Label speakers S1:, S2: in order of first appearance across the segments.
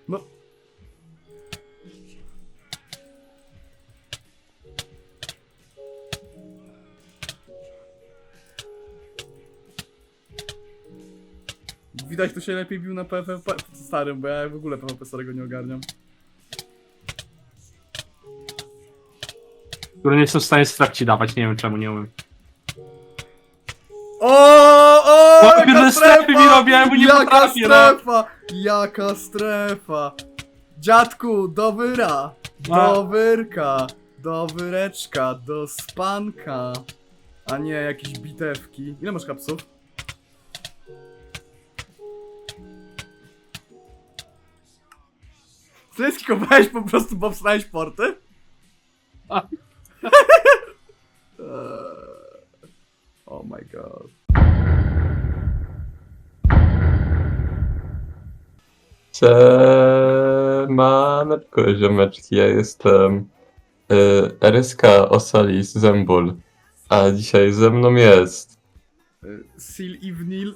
S1: No. Widać, to się lepiej bił na PvP starym, bo ja w ogóle PvP starego nie ogarniam.
S2: Które nie jestem w stanie strach ci dawać, nie wiem czemu nie umiem.
S1: O,
S2: Jaka
S1: jaka
S2: strefy mi robię, ja mu nie
S1: Jaka
S2: potrafię,
S1: strefa! Jaka strefa! Dziadku, do wyra! Do wyrka! Do wyreczka! Do spanka! A nie, jakieś bitewki. Ile masz kapsów? Ty skikowałeś po prostu, bo wstałeś porty? Oh my god.
S3: Siemaneczko, ziomeczki, ja jestem RSK Osalis Zembul, a dzisiaj ze mną jest
S1: Sil Iwnil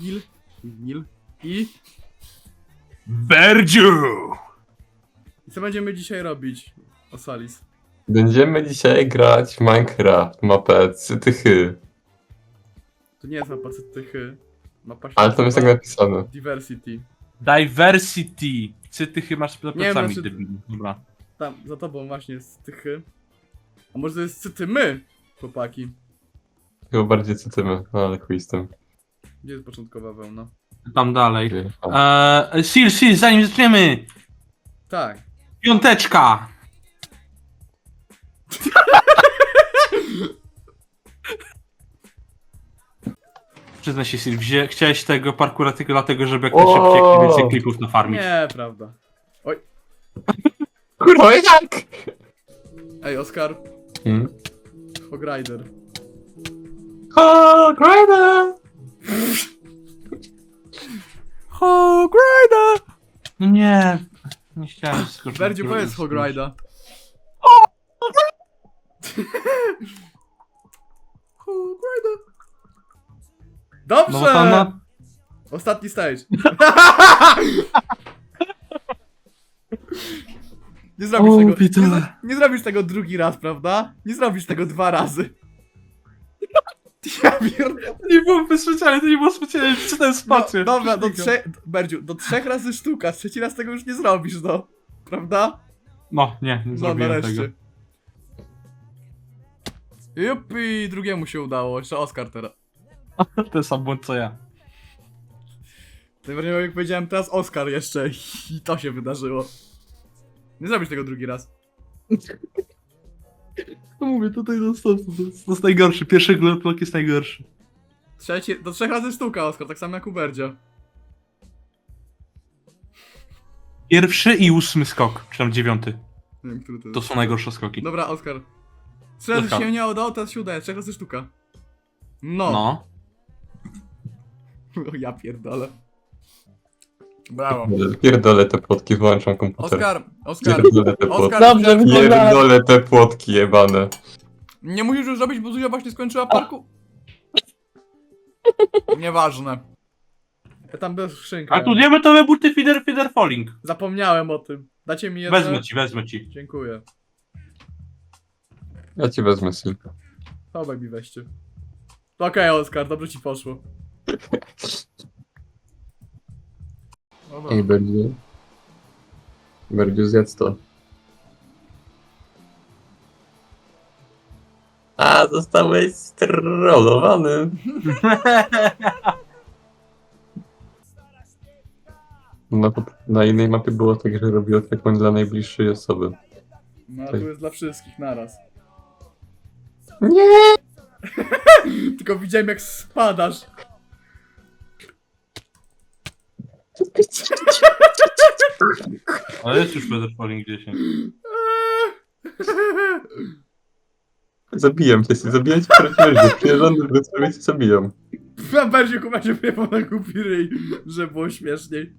S1: i...
S2: Berdziu!
S1: I co będziemy dzisiaj robić, Osalis?
S3: Będziemy dzisiaj grać w Minecraft, mapę Cytychy,
S1: To nie jest mapa cytychy. Mapa się
S3: ale tam jest tak
S1: nazywa
S3: napisane.
S1: Diversity.
S2: Diversity. Ty chyba masz za
S1: Nie wiem,
S2: plecami,
S1: znaczy-
S2: debil. Dobra.
S1: Tam, za tobą właśnie jest cytychy. A może to jest cytymy, chłopaki?
S3: Chyba bardziej cytymy, no ale chuj z tym.
S1: Gdzie jest początkowa wełna?
S2: Tam dalej.
S3: O,
S2: Sil, zanim zaczniemy!
S1: Tak.
S2: Piąteczka! Przyznaj się, Sil, chciałeś tego parkura tylko dlatego, żeby jak najszybciej jak najwięcej klipów nafarmić.
S1: Nie, prawda. Oj.
S3: Kurwa, jak?
S1: Ej, Oskar.
S3: Hmm?
S1: Hogrider.
S3: O, Grider!
S1: Hogrider!
S2: No nie, nie chciałem skoczyć.
S1: Berdziu, powiedz Hogrida. Hogrida. Dobrze!
S2: No bo tam na...
S1: Ostatni stage. Nie zrobisz
S2: O,
S1: tego.
S2: Peter.
S1: Nie zrobisz tego drugi raz, prawda? Nie zrobisz tego 2 razy. Ja pierdolę.
S2: Nie było specjalnie, to nie było specjalnie, czytałem spację.
S1: No, dobra, Berdziu, do 3 razy sztuka, 3 raz tego już nie zrobisz, no. Prawda?
S2: No, nie
S1: No,
S2: zrobiłem
S1: nareszcie.
S2: tego.
S1: Jupi, drugiemu się udało, jeszcze Oskar teraz.
S2: Ten sam błąd co ja.
S1: Najbardziej jak powiedziałem teraz Oskar jeszcze i to się wydarzyło. Nie zrobisz tego drugi raz.
S2: No mówię, tutaj to jest najgorszy, pierwszy globlock jest najgorszy.
S1: Do 3 razy sztuka, Oskar, tak samo jak u Berdzia.
S2: Pierwszy i 8 skok, czy tam 9.
S1: Nie wiem, który to
S2: To
S1: jest.
S2: są najgorsze skoki.
S1: Dobra, Oskar. 3 razy
S2: Oskar.
S1: się nie udało, teraz się udaje, 3 razy sztuka. No.
S2: No.
S1: O, ja pierdolę. Brawo.
S3: Pierdolę te płotki, wyłączam komputer.
S1: Oskar,
S3: Pierdolę te płotki.
S1: Oskar,
S4: Dobrze,
S3: Pierdolę te płotki jebane.
S1: nie musisz już robić, bo Zuzia właśnie skończyła parku. Nieważne. Ja tam bez skrzynka.
S2: A tu diamentowe buty feeder falling.
S1: Zapomniałem o tym. Dacie mi jedno?
S2: Wezmę ci.
S1: Dziękuję.
S3: Ja ci wezmę Silka.
S1: Chowaj mi weźcie. Okej, Oskar, dobrze ci poszło. Dobra.
S3: Ej, Berdziu. Berdziu, zjedz to. A, zostałeś strollowany. Na innej mapie było tak, że robiło taką dla najbliższej osoby.
S1: No a tu jest dla wszystkich naraz.
S3: Nie!
S1: Tylko widziałem jak spadasz.
S2: Ale jest już feeder falling 10.
S3: Zabijam cię, zabijać prawdziwie, przyjeżdżam do ciebie cię zabijam.
S1: Na bardziej chyba się wyjebał na głupi ryj, że było śmieszniej.